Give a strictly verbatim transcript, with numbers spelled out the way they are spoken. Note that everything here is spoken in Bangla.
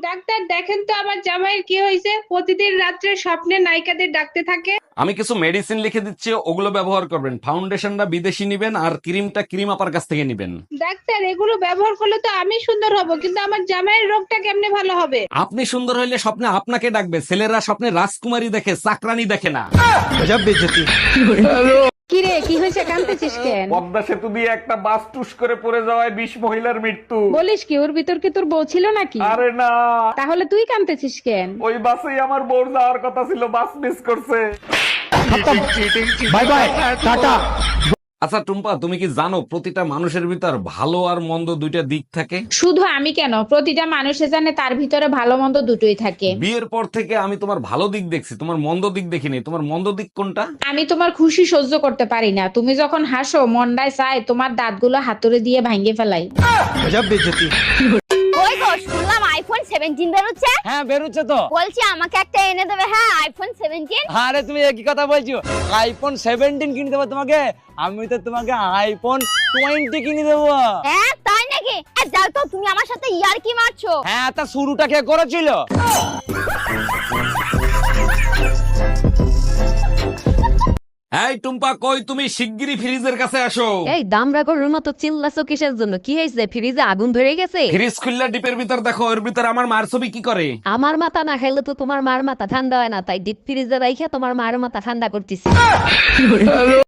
ডাক্তার দেখেন তো আমার জামাইয়ের কি হয়েছে, প্রতিদিন রাত্রে স্বপ্নে নায়িকাদের ডাকতে থাকে। আমি কিছু মেডিসিন লিখে দিচ্ছি, ওগুলো ব্যবহার করবেন। ফাউন্ডেশনটা বিদেশি নিবেন আর ক্রিমটা ক্রিম আপার কাছ থেকে নিবেন। ডাক্তার এগুলো ব্যবহার করলে তো আমি সুন্দর হব, কিন্তু আমার জামাইয়ের রোগটা কেমনে ভালো হবে? আপনি সুন্দর হইলে স্বপ্নে আপনাকে ডাকবে। ছেলেরা স্বপ্নে রাজকুমারী দেখে, চাকরানী দেখে না। কি রে, কি হয়েছে, কাঁদতেছিস কেন? পদ্মা সেতু দিয়ে একটা বাস টুস করে পড়ে যাওয়ায় বিশ মহিলার মৃত্যু। বলিস কি, ওর ভিতর কি তোর বউ ছিল নাকি? আরে না, তাহলে তুই কাঁদতেছিস কেন? ওই বাসেই আমার বোর যাওয়ার কথা ছিল, বাস মিস করছে। Bye bye tata. আচ্ছা টুম্পা, তুমি কি জানো প্রতিটা মানুষের ভিতর ভালো আর মন্দ দুইটা দিক থাকে? শুধু আমি কেন, প্রতিটা মানুষে জানে তার ভিতরে ভালো মন্দ দুটোই থাকে। বিয়ের পর থেকে আমি তোমার ভালো দিক দেখছি, তোমার মন্দ দিক দেখিনি। তোমার মন্দ দিক কোনটা? আমি তোমার খুশি সহ্য করতে পারি না। তুমি যখন হাসো মনটায় চায় তোমার দাঁতগুলো হাতুড়ে দিয়ে ভাঙিয়ে ফেলাই। ওই গো, শুনলাম আইফোন সেভেন্টিন বেরোচ্ছে। হ্যাঁ বেরোচ্ছে তো। বলছি আমাকে একটা এনে দেবে। হ্যাঁ, আইফোন সেভেন্টিন। আরে তুমি একই কথা বলছো, আইফোন সেভেন্টিন কিনে দেবো তোমাকে। আমি তো তোমাকে আইফোন টোয়েন্টি কিনে দেবো। হ্যাঁ তাই নাকি? এ, যাও তো, তুমি আমার সাথে ইয়ার কি মারছো? হ্যাঁ, তা শুরুটা কে করেছিল? এই টুম্পা, কই তুমি? শিগগিরই ফ্রিজের কাছে আসো। এই দামরা গরুর মতো চিল্লাছো কিসের জন্য? কি হয়েছে? ফ্রিজে আগুন ধরে গেছে? ফ্রিজ খুললা ডিপের ভিতর দেখো, ওর ভিতর আমার মার ছবি কি করে। আমার মাথা না খাইলে তো তোমার মার মাথা ঠান্ডা হয় না, তাই ডিপ ফ্রিজে রাইখা তোমার মার মাথা ঠান্ডা করতেছি।